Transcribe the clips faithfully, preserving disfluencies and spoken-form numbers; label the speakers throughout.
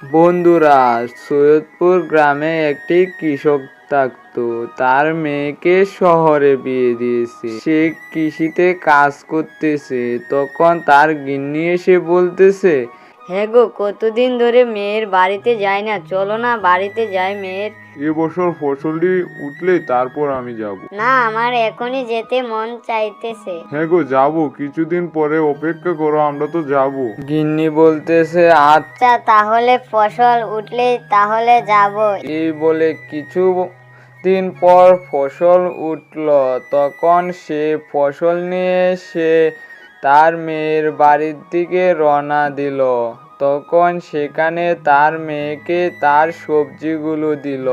Speaker 1: বন্ধুরা, সৈয়দপুর গ্রামে একটি কৃষক থাকতো। তার মেয়েকে শহরে বিয়ে দিয়েছে। সে কৃষিতে কাজ করতেছে। তখন তার গিন্নি এসে বলতেছে,
Speaker 2: হ্যাঁ গো, কতদিন ধরে মেয়ের বাড়িতে যাই না, চলো না বাড়িতে যাই মেয়ের।
Speaker 3: এবছর ফসলটি উঠলেই তারপর আমি যাব।
Speaker 2: না, আমার এখনই যেতে মন চাইতেছে।
Speaker 3: হ্যাঁ গো, যাবো, কিছুদিন পরে অপেক্ষা করো, আমরা তো যাব।
Speaker 1: গিন্নি বলতেছে,
Speaker 2: আচ্ছা তাহলে ফসল উঠলেই তাহলে যাব।
Speaker 1: এই বলে কিছু দিন পর ফসল উঠল। তখন সে ফসল নিয়ে সে তার মেয়ের বাড়ির দিকে রওনা দিল। তখন সেখানে তার মেয়েকে তার সবজিগুলো দিল।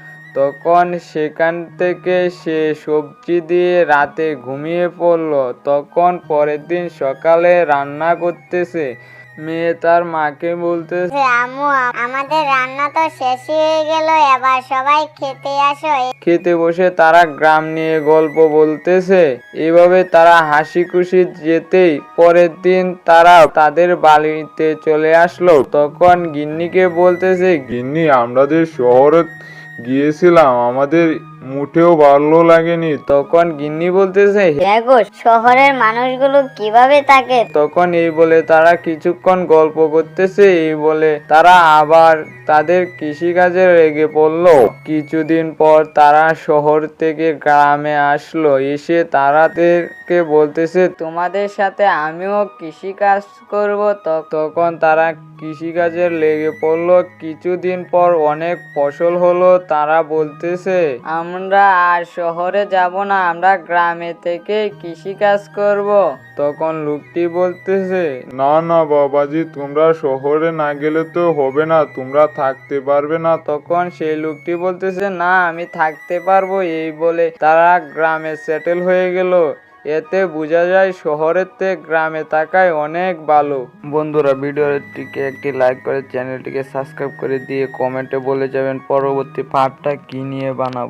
Speaker 1: তখন সেখান থেকে সে সবজি দিয়ে রাতে ঘুমিয়ে পড়ল। তখন পরের দিন সকালে রান্না করতেছে। মেয়ে তার মাকে বলতেছে,
Speaker 4: আম্মু, আমাদের রান্না তো শেষই হয়ে গেল, এবার সবাই খেতে আসো।
Speaker 1: খেতে বসে তারা গ্রাম নিয়ে গল্প বলতেছে। এভাবে তারা হাসি খুশি যেতেই পরের দিন তারা তাদের বাড়িতে চলে আসলো। তখন গিন্নিকে বলতেছে,
Speaker 3: গিন্নি, আমরা যে শহরে গিয়েছিলাম আমাদের মুঠেও ভালো লাগেনি।
Speaker 1: তখন গিন্নি বলতেছে,
Speaker 2: হ্যাঁ গো, শহরের মানুষগুলো কিভাবে থাকে।
Speaker 1: তখন এই বলে তারা কিছুক্ষণ গল্প করতেছে। এই বলে তারা আবার তাদের কৃষিকাজে লেগে পড়লো। কিছুদিন পর তারা শহর থেকে গ্রামে আসলো। এসে তারাদেরকে বলতেছে, তোমাদের সাথে আমিও কৃষিকাজ করব। তখন তারা কৃষিকাজে লেগে পড়লো। কিছুদিন পর অনেক ফসল হলো। তারা বলতেছে, আমরা আর শহরে যাব না, আমরা গ্রামে থেকে কৃষিকাজ করব। তখন লোকটি বলতেছে,
Speaker 3: না না বাবাজি, তোমরা শহরে না গেলে তো হবে না, তোমরা থাকতে পারবে না।
Speaker 1: তখন সেই লোকটি বলতেছে, না আমি থাকতে পারবো। এই বলে তারা গ্রামে সেটেল হয়ে গেল। এতে বোঝা যায় শহরের থেকে গ্রামে থাকাই অনেক ভালো। বন্ধুরা, ভিডিওটিকে একটি লাইক করে চ্যানেলটিকে সাবস্ক্রাইব করে দিয়ে কমেন্টে বলে যাবেন পরবর্তী পার্টটা কি নিয়ে বানাবো।